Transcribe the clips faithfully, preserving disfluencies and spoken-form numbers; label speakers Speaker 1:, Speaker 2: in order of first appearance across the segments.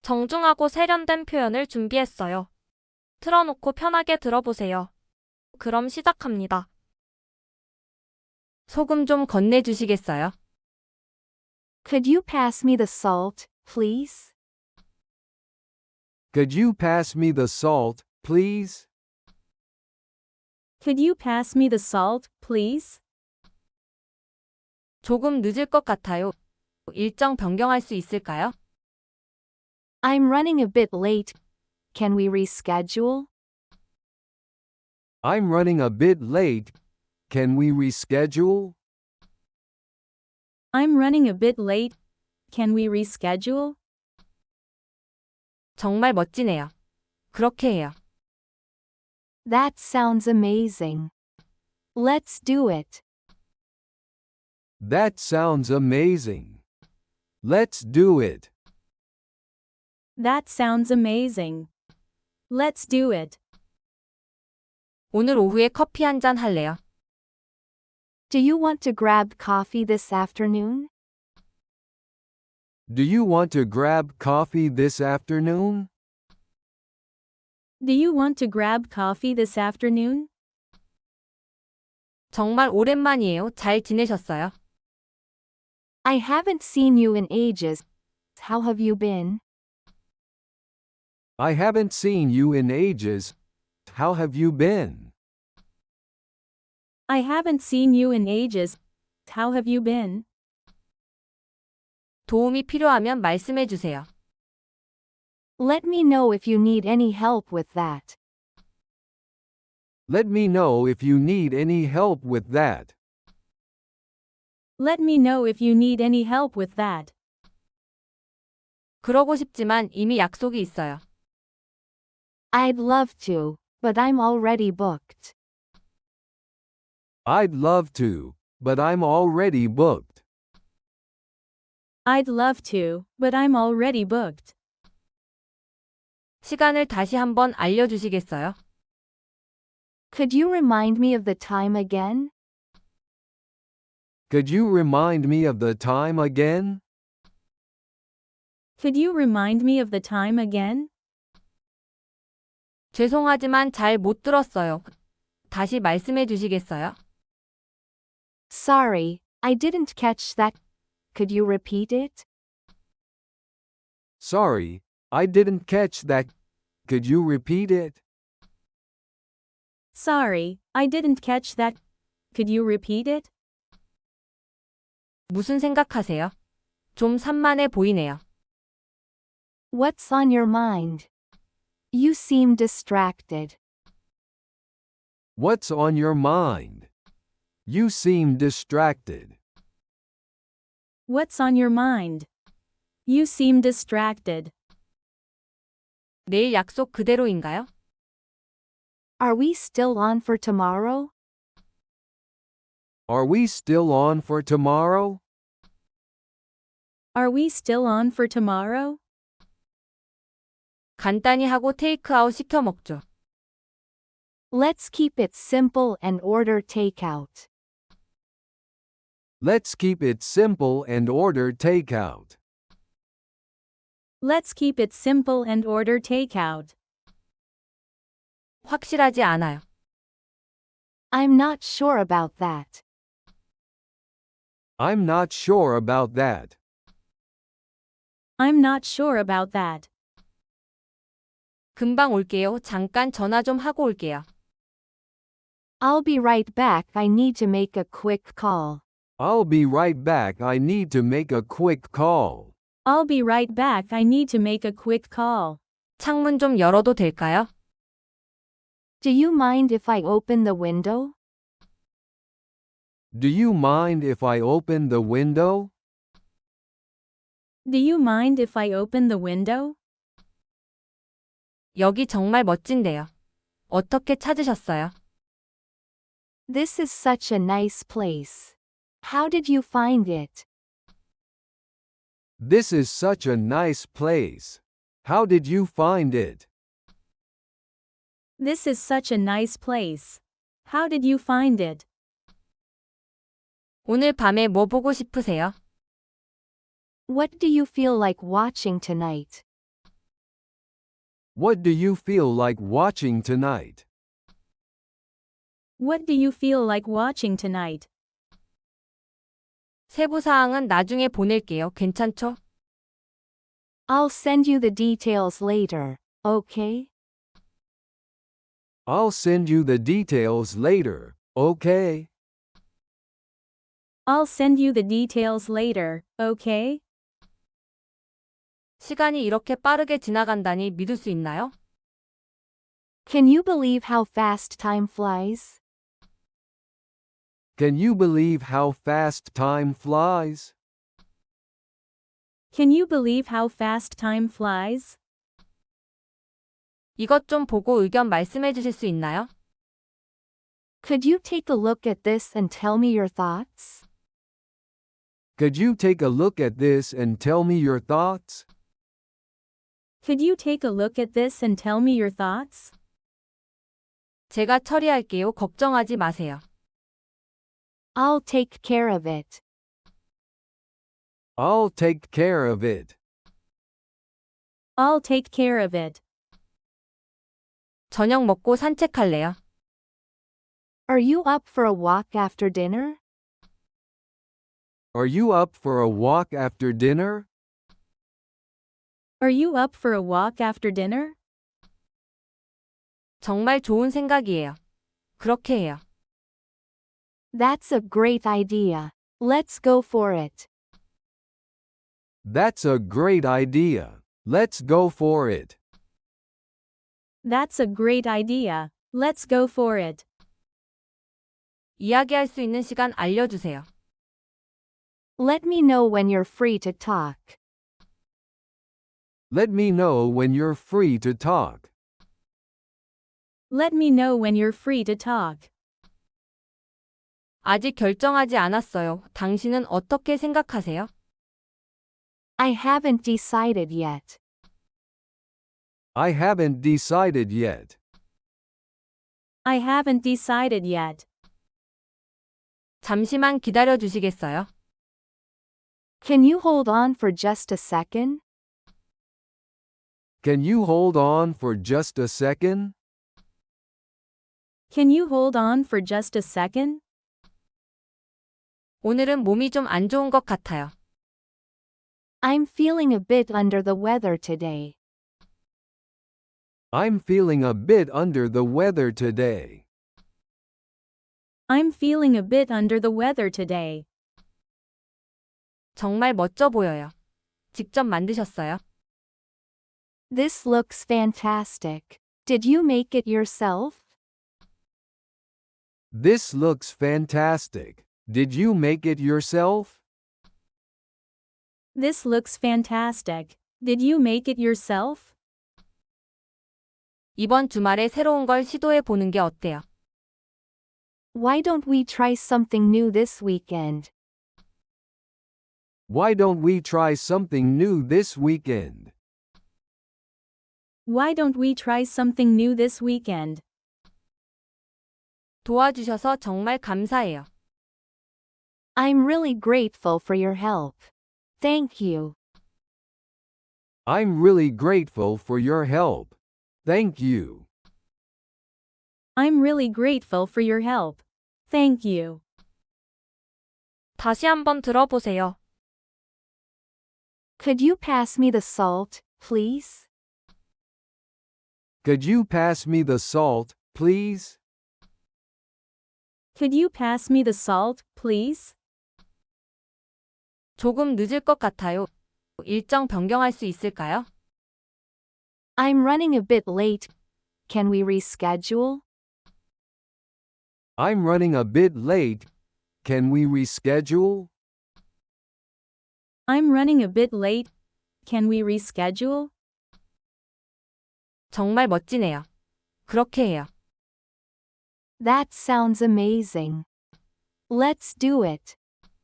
Speaker 1: 정중하고 세련된 표현을 준비했어요. 틀어놓고 편하게 들어보세요. 그럼 시작합니다. 소금 좀 건네주시겠어요?
Speaker 2: Could you pass me the salt, please?
Speaker 3: Could you pass me the salt, please?
Speaker 4: Could you pass me the salt, please?
Speaker 1: 조금 늦을 것 같아요. 일정 변경할 수 있을까요?
Speaker 2: I'm running a bit late. Can we reschedule?
Speaker 3: I'm running a bit late. Can we reschedule?
Speaker 4: I'm running a bit late. Can we reschedule?
Speaker 1: 정말 멋지네요. 그렇게 해요.
Speaker 2: That sounds amazing. Let's do it.
Speaker 3: That sounds amazing. Let's do it.
Speaker 4: That sounds amazing. Let's do it.
Speaker 1: 오늘 오후에 커피 한 잔 할래요?
Speaker 2: Do you want to grab coffee this afternoon?
Speaker 3: Do you want to grab coffee this afternoon?
Speaker 4: Do you want to grab coffee this afternoon?
Speaker 1: 정말 오랜만이에요. 잘 지내셨어요?
Speaker 2: I haven't seen you in ages. How have you been?
Speaker 3: I haven't seen you in ages. How have you been?
Speaker 4: I haven't seen you in ages. How have you been?
Speaker 1: 도움이 필요하면 말씀해 주세요.
Speaker 2: Let me know if you need any help with that.
Speaker 3: Let me know if you need any help with that.
Speaker 4: Let me know if you need any help with that.
Speaker 1: 그러고 싶지만 이미 약속이 있어요.
Speaker 2: I'd love to, but I'm already booked.
Speaker 3: I'd love to, but I'm already booked.
Speaker 4: I'd love to, but I'm already booked.
Speaker 1: 시간을 다시 한번 알려주시겠어요?
Speaker 2: Could you remind me of the time again?
Speaker 3: Could you remind me of the time again?
Speaker 4: Could you remind me of the time again?
Speaker 1: 죄송하지만 잘 못 들었어요. 다시 말씀해 주시겠어요?
Speaker 2: Sorry, I didn't catch that. Could you repeat it?
Speaker 3: Sorry, I didn't catch that. Could you repeat it?
Speaker 4: Sorry, I didn't catch that. Could you repeat it?
Speaker 1: 무슨 생각하세요? 좀 산만해 보이네요.
Speaker 2: What's on your mind? You seem distracted.
Speaker 3: What's on your mind? You seem distracted.
Speaker 4: What's on your mind? You seem distracted.
Speaker 1: 내일 약속 그대로인가요?
Speaker 2: Are we still on for tomorrow?
Speaker 3: Are we still on for tomorrow?
Speaker 4: Are we still on for tomorrow?
Speaker 1: 간단히 하고 테이크아웃 시켜 먹죠.
Speaker 2: Let's keep it simple and order takeout.
Speaker 3: Let's keep it simple and order takeout.
Speaker 4: Let's keep it simple and order takeout.
Speaker 1: 확실하지 않아요.
Speaker 2: I'm not sure about that.
Speaker 3: I'm not sure about that.
Speaker 4: I'm not sure about that.
Speaker 1: 금방 올게요. 잠깐 전화 좀 하고 올게요.
Speaker 2: I'll be right back. I need to make a quick call.
Speaker 3: I'll be right back. I need to make a quick call.
Speaker 4: I'll be right back. I need to make a quick call.
Speaker 1: 창문 좀 열어도 될까요?
Speaker 2: Do you mind if I open the window?
Speaker 3: Do you mind if I open the window?
Speaker 4: Do you mind if I open the window?
Speaker 1: 여기 정말 멋진데요. 어떻게 찾으셨어요?
Speaker 2: This is such a nice place. How did you find it?
Speaker 3: This is such a nice place. How did you find it?
Speaker 4: This is such a nice place. How did you find it?
Speaker 1: 오늘 밤에 뭐 보고 싶으세요?
Speaker 2: What do you feel like watching tonight?
Speaker 3: What do you feel like watching tonight?
Speaker 4: What do you feel like watching tonight?
Speaker 1: 세부 사항은 나중에 보낼게요. 괜찮죠?
Speaker 2: I'll send you the details later, okay?
Speaker 3: I'll send you the details later, okay?
Speaker 4: I'll send you the details later, okay?
Speaker 1: 시간이 이렇게 빠르게 지나간다니 믿을 수 있나요?
Speaker 2: Can you believe how fast time flies?
Speaker 3: Can you believe how fast time flies?
Speaker 4: Can you believe how fast time flies?
Speaker 1: 이것 좀 보고 의견 말씀해 주실 수 있나요?
Speaker 2: Could you take a look at this and tell me your thoughts?
Speaker 3: Could you take a look at this and tell me your thoughts?
Speaker 4: Could you take a look at this and tell me your thoughts?
Speaker 1: 제가 처리할게요. 걱정하지 마세요.
Speaker 2: I'll take care of it.
Speaker 3: I'll take care of it.
Speaker 4: I'll take care of it.
Speaker 1: 저녁 먹고 산책할래요.
Speaker 2: Are you up for a walk after dinner?
Speaker 3: Are you up for a walk after dinner?
Speaker 4: Are you up for a walk after dinner?
Speaker 1: 정말 좋은 생각이에요. 그렇게 해요.
Speaker 2: That's a great idea. Let's go for it.
Speaker 3: That's a great idea. Let's go for it.
Speaker 4: That's a great idea. Let's go for it.
Speaker 1: 이야기할 수 있는 시간 알려주세요.
Speaker 2: Let me know when you're free to talk.
Speaker 3: Let me know when you're free to talk.
Speaker 4: Let me know when you're free to talk.
Speaker 1: 아직 결정하지 않았어요. 당신은 어떻게 생각하세요?
Speaker 2: I haven't decided yet.
Speaker 3: I haven't decided yet.
Speaker 4: I haven't decided yet.
Speaker 1: 잠시만 기다려 주시겠어요?
Speaker 2: Can you hold on for just a second?
Speaker 3: Can you hold on for just a second?
Speaker 4: Can you hold on for just a second?
Speaker 1: 오늘은 몸이 좀 안 좋은 것 같아요.
Speaker 2: I'm feeling a bit under the weather today.
Speaker 3: I'm feeling a bit under the weather today.
Speaker 4: I'm feeling a bit under the weather today.
Speaker 1: 정말 멋져 보여요. 직접 만드셨어요?
Speaker 2: This looks fantastic. Did you make it yourself?
Speaker 3: This looks fantastic. Did you make it yourself?
Speaker 4: This looks fantastic. Did you make it yourself?
Speaker 1: 이번 주말에 새로운 걸 시도해 보는 게 어때요?
Speaker 2: Why don't we try something new this weekend?
Speaker 3: Why don't we try something new this weekend?
Speaker 4: Why don't we try something new this weekend?
Speaker 1: 도와주셔서 정말 감사해요.
Speaker 2: I'm really grateful for your help. Thank you.
Speaker 3: I'm really grateful for your help. Thank you.
Speaker 4: I'm really grateful for your help. Thank you.
Speaker 1: 다시 한번 들어보세요.
Speaker 2: Could you pass me the salt, please?
Speaker 3: Could you pass me the salt, please?
Speaker 4: Could you pass me the salt, please?
Speaker 1: 조금 늦을 것 같아요. 일정 변경할 수 있을까요?
Speaker 2: I'm running a bit late. Can we reschedule?
Speaker 3: I'm running a bit late. Can we reschedule?
Speaker 4: I'm running a bit late. Can we reschedule?
Speaker 1: 정말 멋지네요. 그렇게 해요.
Speaker 2: That sounds amazing. Let's do it.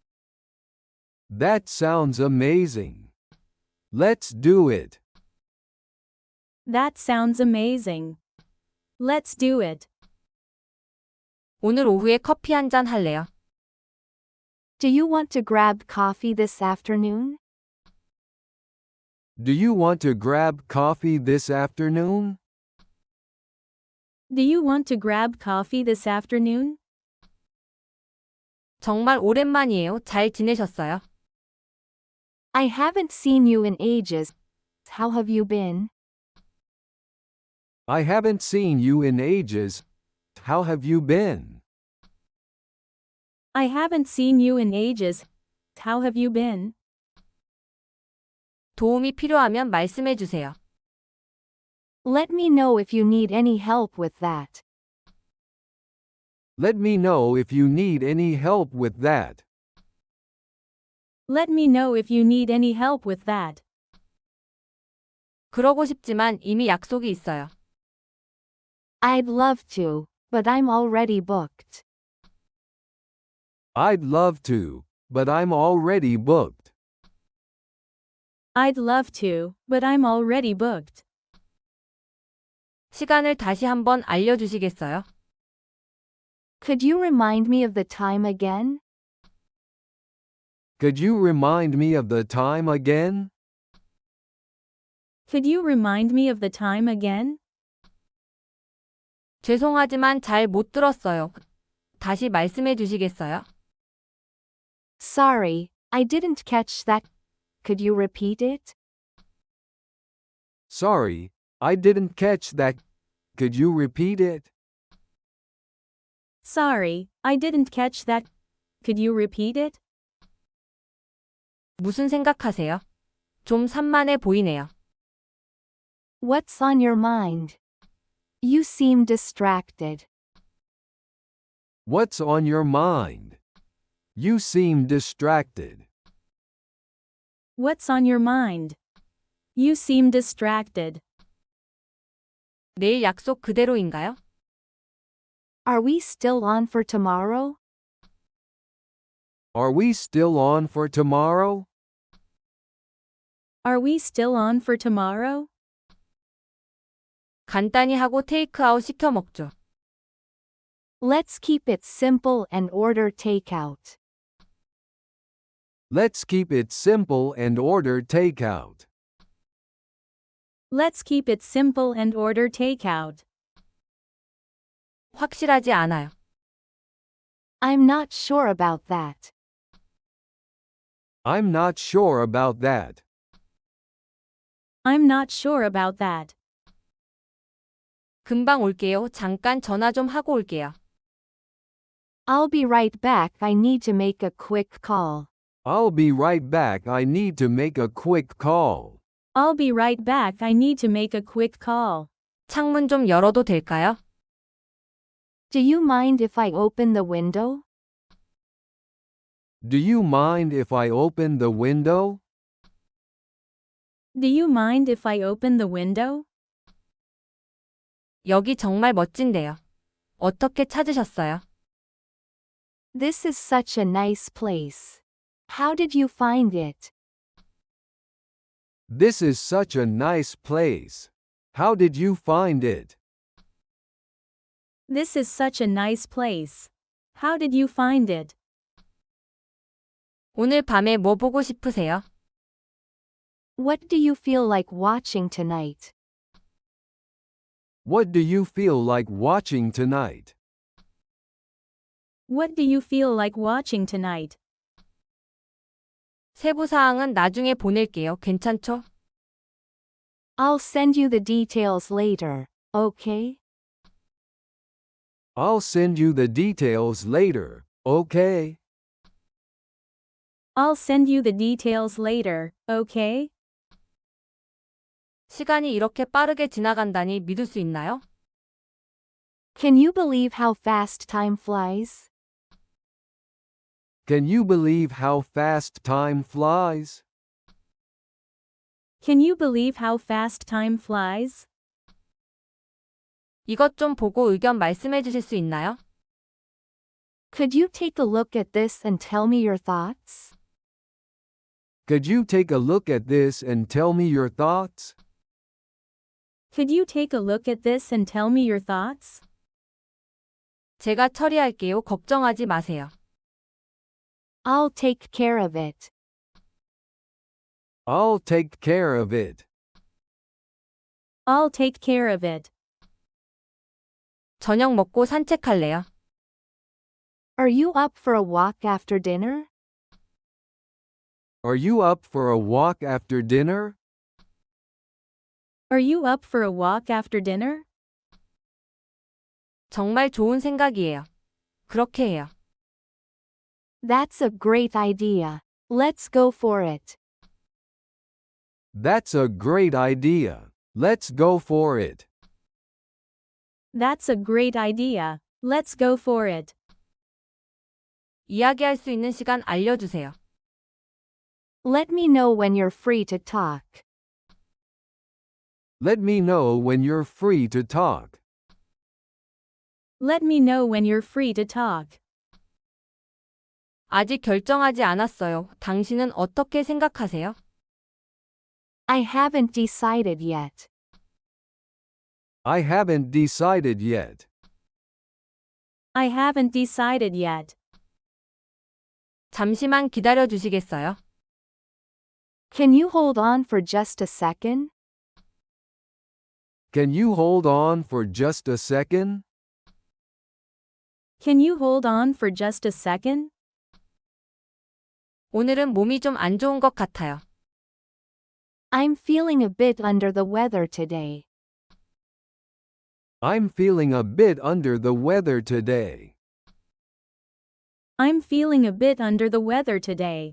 Speaker 3: That sounds amazing. Let's do it.
Speaker 4: That sounds amazing. Let's do it.
Speaker 1: 오늘 오후에 커피 한 잔 할래요?
Speaker 2: Do you want to grab coffee this afternoon?
Speaker 3: Do you want to grab coffee this afternoon?
Speaker 4: Do you want to grab coffee this afternoon?
Speaker 1: 정말 오랜만이에요. 잘 지내셨어요?
Speaker 2: I haven't seen you in ages. How have you been?
Speaker 3: I haven't seen you in ages. How have you been?
Speaker 4: I haven't seen you in ages. How have you been?
Speaker 1: 도움이 필요하면 말씀해 주세요.
Speaker 2: Let me know if you need any help with that.
Speaker 3: Let me know if you need any help with that.
Speaker 4: Let me know if you need any help with that.
Speaker 1: 그러고 싶지만 이미 약속이 있어요.
Speaker 2: I'd love to, but I'm already booked.
Speaker 3: I'd love to, but I'm already booked.
Speaker 4: I'd love to, but I'm already booked.
Speaker 1: 시간을 다시 한번 알려주시겠어요?
Speaker 2: Could you remind me of the time again?
Speaker 3: Could you remind me of the time again?
Speaker 4: Could you remind me of the time again?
Speaker 1: 죄송하지만 잘 못 들었어요. 다시 말씀해 주시겠어요?
Speaker 2: Sorry, I didn't catch that. Could you repeat it?
Speaker 3: Sorry, I didn't catch that. Could you repeat it?
Speaker 4: Sorry, I didn't catch that. Could you repeat it?
Speaker 1: 무슨 생각하세요? 좀 산만해 보이네요.
Speaker 2: What's on your mind? You seem distracted.
Speaker 3: What's on your mind? You seem distracted.
Speaker 4: What's on your mind? You seem distracted.
Speaker 1: 내일 약속 그대로인가요?
Speaker 2: Are we still on for tomorrow?
Speaker 3: Are we still on for tomorrow?
Speaker 4: Are we still on for tomorrow?
Speaker 1: 간단히 하고 테이크아웃 시켜 먹죠.
Speaker 2: Let's keep it simple and order takeout.
Speaker 3: Let's keep it simple and order takeout.
Speaker 4: Let's keep it simple and order takeout.
Speaker 1: 확실하지 않아요.
Speaker 2: I'm not sure about that.
Speaker 3: I'm not sure about that.
Speaker 4: I'm not sure about that.
Speaker 1: 금방 올게요. 잠깐 전화 좀 하고 올게요.
Speaker 2: I'll be right back. I need to make a quick call.
Speaker 3: I'll be right back. I need to make a quick call.
Speaker 4: I'll be right back. I need to make a quick call.
Speaker 1: 창문 좀 열어도 될까요?
Speaker 2: Do you mind if I open the window?
Speaker 3: Do you mind if I open the window?
Speaker 4: Do you mind if I open the window?
Speaker 1: 여기 정말 멋진데요. 어떻게 찾으셨어요?
Speaker 2: This is such a nice place. How did you find it?
Speaker 3: This is such a nice place. How did you find it?
Speaker 4: This is such a nice place. How did you find it?
Speaker 1: 오늘 밤에 뭐 보고 싶으세요?
Speaker 2: What do you feel like watching tonight?
Speaker 3: What do you feel like watching tonight?
Speaker 4: What do you feel like watching tonight?
Speaker 1: 세부 사항은 나중에 보낼게요. 괜찮죠?
Speaker 2: I'll send you the details later, okay?
Speaker 3: I'll send you the details later, okay?
Speaker 4: I'll send you the details later, okay?
Speaker 1: 시간이 이렇게 빠르게 지나간다니 믿을 수 있나요?
Speaker 2: Can you believe how fast time flies?
Speaker 3: Can you believe how fast time flies?
Speaker 4: Can you believe how fast time flies?
Speaker 1: 이것 좀 보고 의견 말씀해 주실 수 있나요?
Speaker 2: Could you take a look at this and tell me your thoughts?
Speaker 3: Could you take a look at this and tell me your thoughts?
Speaker 4: Could you take a look at this and tell me your thoughts?
Speaker 1: 제가 처리할게요. 걱정하지 마세요.
Speaker 2: I'll take care of it.
Speaker 3: I'll take care of it.
Speaker 4: I'll take care of it.
Speaker 1: 저녁 먹고 산책할래요?
Speaker 2: Are you up for a walk after dinner?
Speaker 3: Are you up for a walk after dinner?
Speaker 4: Are you up for a walk after dinner?
Speaker 1: 정말 좋은 생각이에요. 그렇게 해요.
Speaker 2: That's a great idea. Let's go for it.
Speaker 3: That's a great idea. Let's go for it.
Speaker 4: That's a great idea. Let's go for it.
Speaker 1: 이야기할 수 있는 시간 알려주세요.
Speaker 2: Let me know when you're free to talk.
Speaker 3: Let me know when you're free to talk.
Speaker 4: Let me know when you're free to talk.
Speaker 1: 아직 결정하지 않았어요. 당신은 어떻게 생각하세요?
Speaker 2: I haven't decided yet.
Speaker 3: I haven't decided yet.
Speaker 4: I haven't decided yet.
Speaker 1: 잠시만 기다려 주시겠어요?
Speaker 2: Can you hold on for just a second?
Speaker 3: Can you hold on for just a second?
Speaker 4: Can you hold on for just a second?
Speaker 1: 오늘은 몸이 좀 안 좋은 것 같아요.
Speaker 2: I'm feeling a bit under the weather today.
Speaker 3: I'm feeling a bit under the weather today.
Speaker 4: I'm feeling a bit under the weather today.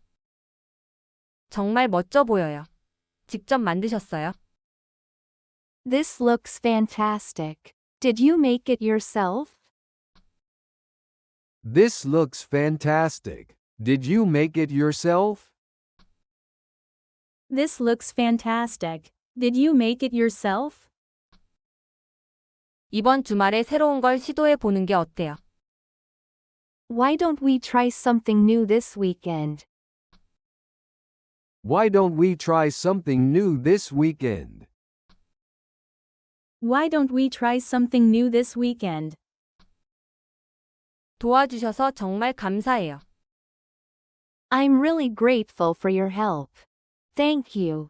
Speaker 1: 정말 멋져 보여요. 직접 만드셨어요?
Speaker 2: This looks fantastic. Did you make it yourself?
Speaker 3: This looks fantastic. Did you make it yourself?
Speaker 4: This looks fantastic. Did you make it yourself?
Speaker 1: 이번 주말에 새로운 걸 시도해 보는 게 어때요?
Speaker 2: Why don't we try something new this weekend?
Speaker 3: Why don't we try something new this weekend?
Speaker 4: Why don't we try something new this weekend?
Speaker 1: 도와주셔서 정말 감사해요.
Speaker 2: I'm really grateful for your help. Thank you.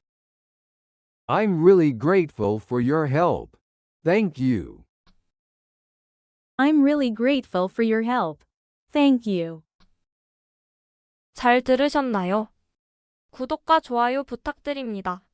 Speaker 3: I'm really grateful for your help. Thank you.
Speaker 4: I'm really grateful for your help. Thank you.
Speaker 1: 잘 들으셨나요? 구독과 좋아요 부탁드립니다.